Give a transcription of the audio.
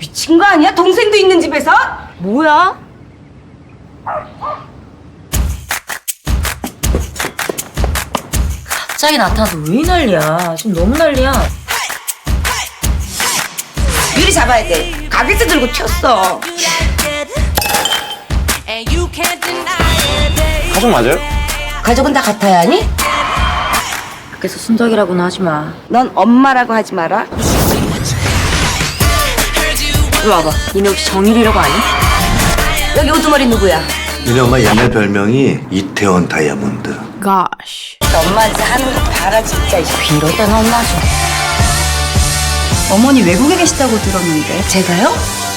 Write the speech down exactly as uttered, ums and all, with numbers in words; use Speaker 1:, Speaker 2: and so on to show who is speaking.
Speaker 1: 미친 거 아니야? 동생도 있는 집에서?
Speaker 2: 뭐야? 갑자기 나타나서 왜 이 난리야? 지금 너무 난리야.
Speaker 1: 미리 잡아야 돼. 가게에서 들고 튀었어.
Speaker 3: 가족 맞아요?
Speaker 1: 가족은 다 같아야 하니?
Speaker 2: 밖에서 순덕이라고는 하지 마.
Speaker 1: 넌 엄마라고 하지 마라.
Speaker 2: 이리 와봐. 니네 혹시 정일이라고 아니?
Speaker 1: 여기 우두머리 누구야?
Speaker 4: 니네 엄마 옛날 별명이 이태원 다이아몬드.
Speaker 2: Gosh.
Speaker 1: 엄마한테 하는 거 봐라 진짜.
Speaker 2: 이럴 때는 엄마 좀.
Speaker 5: 어머니 외국에 계시다고 들었는데.
Speaker 1: 제가요?